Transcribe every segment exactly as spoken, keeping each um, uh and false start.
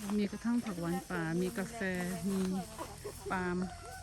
มีกระทั่งผักหวานป่ามีกาแฟมีปาล์ม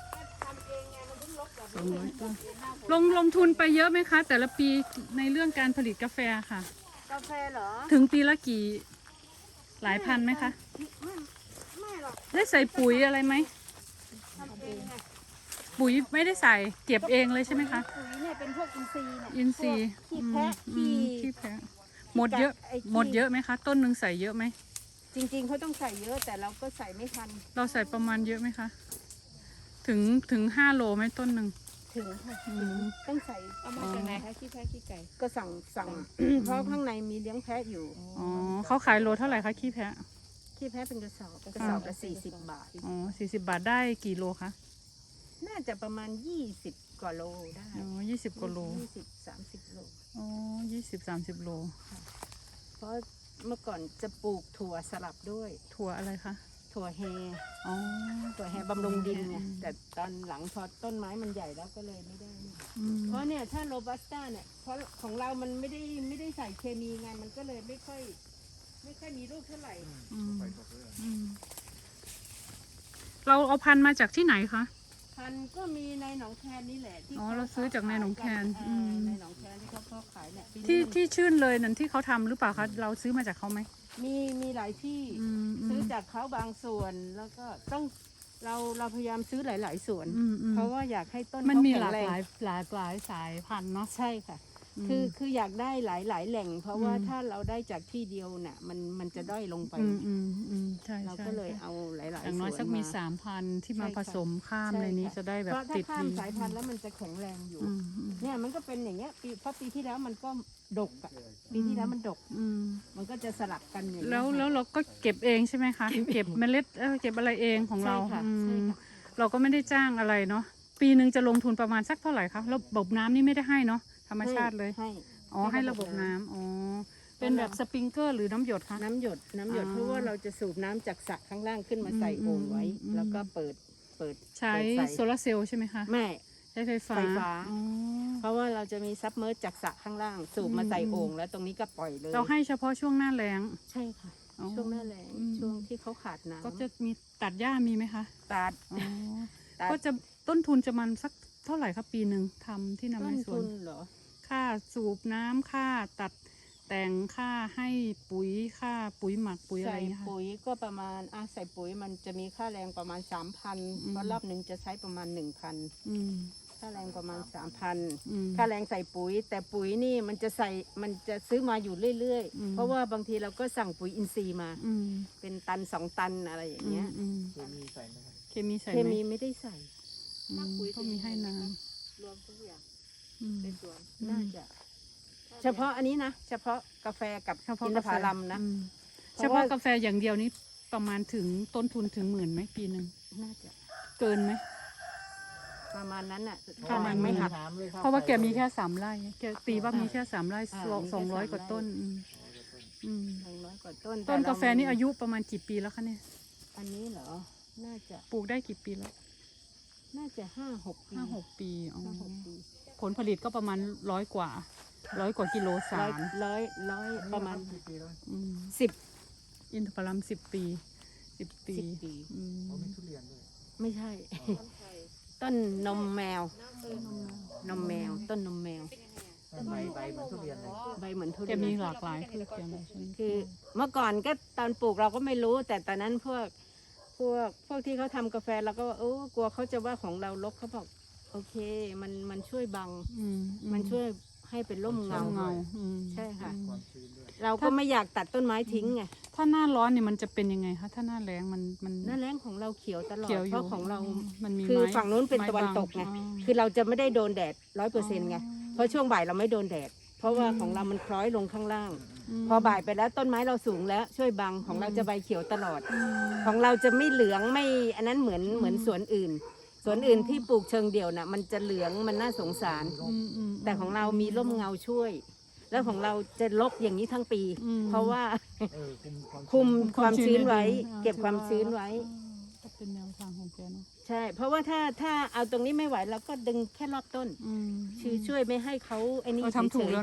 สองร้อยต้นลงลงทุนไปเยอะไหมคะ แต่ละปีในเรื่องการผลิตกาแฟค่ะกาแฟเหรอถึงปีละกี่หลายพันไหมคะไม่ไม่หรอกได้ใส่ปุ๋ยอะไรไหมทำเองไงปุ๋ยไม่ได้ใส่เก็บเองเลยใช่ไหมคะปุ๋ยเนี่ยเป็นพวกอินทรีย์เนี่ยอินทรีย์พวกขี้แพะอืขี้มขี้แพะหมดเยอะไอ้ขี้หมดเยอะไหมคะ ต้นหนึ่งใส่เยอะไหมจริงๆเขาต้องใส่เยอะแต่เราก็ใส่ไม่ทันเราใส่ประมาณเยอะไหมคะ ถึงถึงห้าโลไหมต้นหนึ่งถึงค่ะอืมต้องใส่เอามาจากไหนคะขี้แพะขี้ไก่ก็สั่งสั่ง เพราะข้างในมีเลี้ยงแพะอยู่อ๋อเขาขายโลเท่าไหร่คะขี้แพะขี้แพะเป็นกระสอบกระสอบละสี่สิบบาทอ๋อสี่สิบบาทได้กี่โลคะน่าจะประมาณยี่สิบกว่าโลได้อ๋อยี่สิบกว่าโลยี่สิบสามสิบโลอ๋อยี่สิบสามสิบโลเพราะเมื่อก่อนจะปลูกถั่วสลับด้วยถั่วอะไรคะถั่วแฮอ๋อถั่วแฮบำรุงดินไงแต่ตอนหลังพอต้นไม้มันใหญ่แล้วก็เลยไม่ได้นี่อืมเพราะเนี่ยถ้าโรบัสต้าเนี่ยเพราะของเรามันไม่ได้ไม่ได้ใส่เคมีไงมันก็เลยไม่ค่อย ไม่ค่อยมีลูกเท่าไหร่อืมอืมเราเอาพันธุ์มาจากที่ไหนคะพันธุ์ก็มีในหนองแคนนี่แหละที่อ๋อเราซื้อจากในหนองแคนเอออืมในหนองแคนที่เขาเขาขายเนี่ยปีนี้ที่มันที่ชื่นเลยนั่นที่เขาทำหรือเปล่าคะเราซื้อมาจากเขาไหมมีมีหลายที่อืมอืซื้อมจากเขาบางส่วนแล้วก็ต้องเราเราพยายามซื้อหลาย ๆ ส่วนอืมอืมเพราะว่าอยากให้ต้นมันเขามีแข็หงลากแรหงลายหลากหลายสายพันธุ์เนาะใช่ค่ะอืมคือคืออยากได้หลายหลายแหล่ง เพราะว่าอืมถ้าเราได้จากที่เดียวน่ะมันมันจะด้อยลงไปอืมอืมอืมใช่เราใช่ก็เลยใช่เอาหลายๆอย่างน้อยส่วนสักมีาสามพันที่มาใช่ผค่ะสมข้ามใช่ในนี้ค่ะจะได้แบบเพราะถ้าติดข้ามดีสายพันธุ์แล้วมันจะแข็งแรงอยู่อืมอืมเนี่ยมันก็เป็นอย่างเงี้ยปีเพราะปีที่แล้วมันก็ดกอะปีที่แล้วมันดกอืมมันก็จะสลับกันอย่างเงี้ยแล้วค่ะแล้วเราก็เก็บเองใช่ไหมคะ เก็บเมล็ดเออเก็บอะไรเองของเราใช่ค่ะอืใช่มค่ะเราก็ไม่ได้จ้างอะไรเนาะปีหนึ่งจะลงทุนประมาณสักเท่าไหร่คะแล้วระบบน้ำนี่ไม่ได้ให้เนาะธรรมชาติเลยให้อ๋อให้ระบบน้ำอ๋อเป็นแบบสปริงเกอร์หรือน้ำหยดคะน้ำหยดน้ำหยดอ๋อเพราะว่าเราจะสูบน้ำจากสระข้างล่างขึ้นมาใส่อืมโอ่งไว้อืมแล้วก็เปิดเปิดใช้เปิดโซลาร์เซลล์ใช่ไหมคะไม่ใช้ไฟฟ้าไฟฟ้าอ๋อเพราะว่าเราจะมีซับเมอร์จากสระข้างล่าง สูบมาใส่อืมโอ่งแล้วตรงนี้ก็ปล่อยเลยเราให้เฉพาะช่วงหน้าแล้งใช่ค่ะอ๋อช่วงหน้าแล้งอืมช่วงที่เขาขาดน้ำก็จะมีตัดหญ้ามีไหมคะตัดอ๋อตัดก็จะต้นทุนจะมันสักเท่าไหร่คะปีหนึ่งทำที่นำต้ในนสวทุนนเหรอค่าสูบน้ำค่าตัดแต่งค่าให้ปุ๋ยค่าปุ๋ยหมักปุ๋ยอะไรใส่อย่างเงี้ยค่ะปุ๋ยก็ประมาณอ่ะใส่ปุ๋ยมันจะมีค่าแรงประมาณสามพันอืมเพราะรอบหนึ่งจะใช้ประมาณหนึ่งพันอืมค่าแรงประมาณสามพันอืมค่าแรงใส่ปุ๋ย แต่ปุ๋ยนี่มันจะใส่มันจะซื้อมาอยู่เรื่อยอืมๆ เพราะว่าบางทีเราก็สั่งปุ๋ยอินทรีย์มาอืมเป็นตันสองตันอะไรอย่างอืเงี้มยอืมเคมีใส่ไหมครับเคมีใส่เคไหมมีไม่ได้ใส่อืมก็มีให้น้รวมทุกอย่างำอืมในสวนอืมน่าจะ เฉพาะอันนี้นะเฉพาะกาแฟกับเฉพาะอินทกาแฟผลัมนะอืมเพเฉราะพาะว่ากาแฟอย่างเดียวนี้ประมาณถึงต้นทุนถึงหมื่นไหมปีหนึ่งน่าจะเกินไหมประมาณนั้นอ่ะประมาณไม่หักถามเลยคบเพราะว่าแกมีแค่สามไร่แกตีว่ามีแค่สามไร่อ่าสองมีแค่สองร้อยสามกว่าไร่ต้นอืมอืมหนึ่งร้อยกว่าต้นต้นแเรกาแฟนี่อายุประมาณกี่ปีแล้วคะเนี่ยอันนี้เหรอ น่าจะปลูกได้กี่ปีแล้วน่าจะห้าหกปีห้าหกปีอ๋อห้าหกปีผลผลิตก็ประมาณร้อยกว่าร้อยกว่ากิโลสาร้อยรร้อยร้อยประมาณกี่ปีแล้วอืมสิบอินทผลัมสิบปีสิบปีสิบปีอืมเขามีทุเรียนด้วยไม่ใช่ ต้นนมแมว นมแมว ต้นนมแมวใบใบเหมือนทุเรียนเลยใบเหมือนทุแกเรียนมีหลากหลายพืชแกมีใช่ไหมคือเมื่อก่อนก็ตอนปลูกเราก็ไม่รู้ แต่ตอนนั้นพวกพวกพวกที่เขาทำกาแฟเราก็ว่าโอ้กลัวเขาจะว่าของเรารกเขาบอกโอเค มันมันช่วยบังอืมมันช่วยให้เป็นร่มเงาเงาอืมใช่ค่ะอืมความชื้นด้วยเราก็ไม่อยากตัดต้นไม้ทิ้งไงถ้าหน้าร้อนเนี่ยมันจะเป็นยังไงคะถ้าหน้าแล้งมันมันหน้าแรงของเราเขียวตลอดเขียวอเพยู่ราะของเรามันมีคือไม้ฝั่งนู้นเป็นไม้ตะวันบังตกไงอ๋อคือเราจะไม่ได้โดนแดดร้อยเปอร์เซ็นต์ไง เพราะช่วงบ่ายเราไม่โดนแดด เพราะว่าของเรามันคล้อยลงข้างล่างมพอบ่ายไปแล้วต้นไม้เราสูงแล้วช่วยบังของเราอืมจะใบเขียวตลอดอืมของเราจะไม่เหลืองไม่อันนั้นเหมือนเหมือนสวนอื่น สวนอื่นที่ปลูกเชิงเดี่ยวน่ะมันจะเหลืองมันน่าสงสารอืมอืมแต่ของเรามีร่มเงาช่วย แล้วของเราจะลกอย่างนี้ทั้งปีอืมเพราะว่าเออคุมความคุมชื้นความชื้นไว้ในดินเก็บความชื้นไว้อ่าก็เป็นแนวทางของแกเนาะใช่ เพราะว่าถ้าถ้าเอาตรงนี้ไม่ไหวเราก็ดึงแค่รอบต้นอืมคือช่วยไม่ให้เขาไอ้นี่เราทำถูกเฉยๆแล้วเนาะผ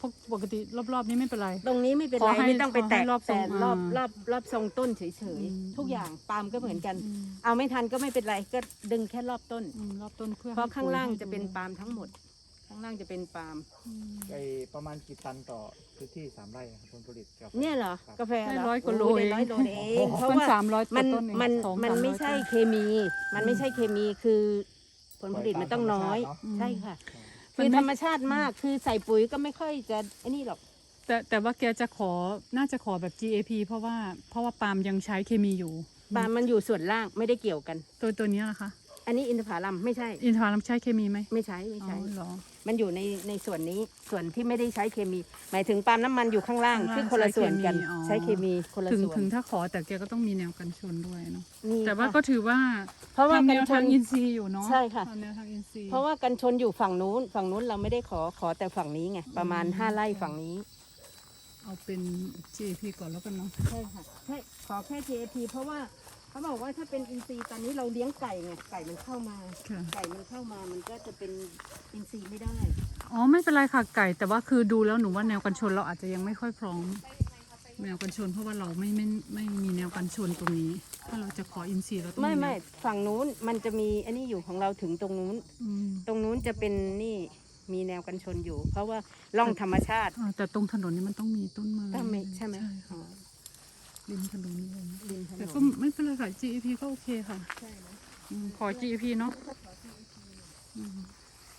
ราะปกติรอบๆนี้ไม่เป็นไรตรงนี้ไม่เป็นขอไรให้ไม่ต้องไปแตะขอให้รอบทรงแต่รอบอ่ารอบรอบทรงต้นเฉยอืมๆทุกอย่างปาล์มก็เหมือนกันอืมเอาไม่ทันก็ไม่เป็นไรก็ดึงแค่รอบต้นอืมรอบต้นเพื่อเพราะให้ข้างล่างปุ๋ยจะเป็นให้ดูปาล์มทั้งหมด ข้างล่างจะเป็นปาล์มอืมไอประมาณกี่ตันต่อพื้นที่สามไร่ครับผลผลิตกาแฟเนี่ยเหรอคบกาแฟได้เหรอร้อยกว่าโลโได้เองร้อยโลเองเพราะมันว่าสามร้อยมันต้นเองมันสองมันสาร้อยไม่ใช่ต้นเคมี มันไม่ใช่เคมีคือผลผลิตมันต้องน้อยปล่อยตามธรรมชาติเนอะใช่ค่ะมันคือไม่ธรรมชาติมากคือใส่ปุ๋ยก็ไม่ค่อยจะไอ้นี่หรอกแต่แต่ว่าแกจะขอน่าจะขอแบบ จี เอ พี เพราะว่าเพราะว่าปาล์มยังใช้เคมีอยู่ปาล์มมันอยู่ส่วนล่างไม่ได้เกี่ยวกันตัวตัวนี้นะคะอันนี้อินทผลัมไม่ใช่อินทผลัมใช้เคมีไหมไม่ใช้ไม่อ๋อใช้เหรอมันอยู่ในในส่วนนี้ส่วนที่ไม่ได้ใช้เคมี หมายถึงปาล์มน้ำมันอยู่ข้างล่างข้างล่างซึ่งคนละส่วนกันใช้ใช้เคเคมีมีคนละถึงส่วนถึงถ้าขอแต่แกก็ต้องมีแนวกันชนด้วยเนาะนี่แต่ว่าค่ะก็ถือว่าเพราะว่าทำแนกันวชทางนอินทรีย์อยู่เนาะใช่ค่ะทำแนวทางอินทรีย์เพราะว่ากันชนอยู่ฝั่งนู้น ฝั่งนู้นเราไม่ได้ขอขอแต่ฝั่งนี้ไงประมาณอืมห้าไร่ฝั่งนี้เอาเป็น จี เอ พี ก่อนแล้วกันเนาะใช่ค่ะใช่ขอแค่ ที เอ พี เพราะว่าเขาบอกว่าถ้าเป็นอินทรีย์ตอนนี้เราเลี้ยงไก่ไงไก่มันเข้ามาค่ะไก่มันเข้ามามันก็จะเป็นอินทรีย์ไม่ได้อ๋อไม่เป็นไรค่ะไก่ แต่ว่าคือดูแล้วหนูว่าแนวกันชนเราอาจจะยังไม่ค่อยพร้อมแนวกันชน เพราะว่าเราไม่ไม่ไม่มีแนวกันชนตรงนี้ ถ้าเราจะขออินทรีย์เราต้องไม่ไม่แนวฝั่งนู้นมันจะมีอันนี้อยู่ของเราถึงตรงนู้นอืมตรงนู้นจะเป็นนี่มีแนวกันชนอยู่ เพราะว่าร่องธรรมชาติอ่าแต่ตรงถนนนี่มันต้องมีต้นไม้ก็ไม่ใช่ไหมใช่อ๋ค่ะอริมถนนเลยริมถนแต่นก็ไม่เป็นไรค่ะ จี เอ พี ก็โอเคค่ะใช่นะอืมขอ จี เอ พี เนาะอืม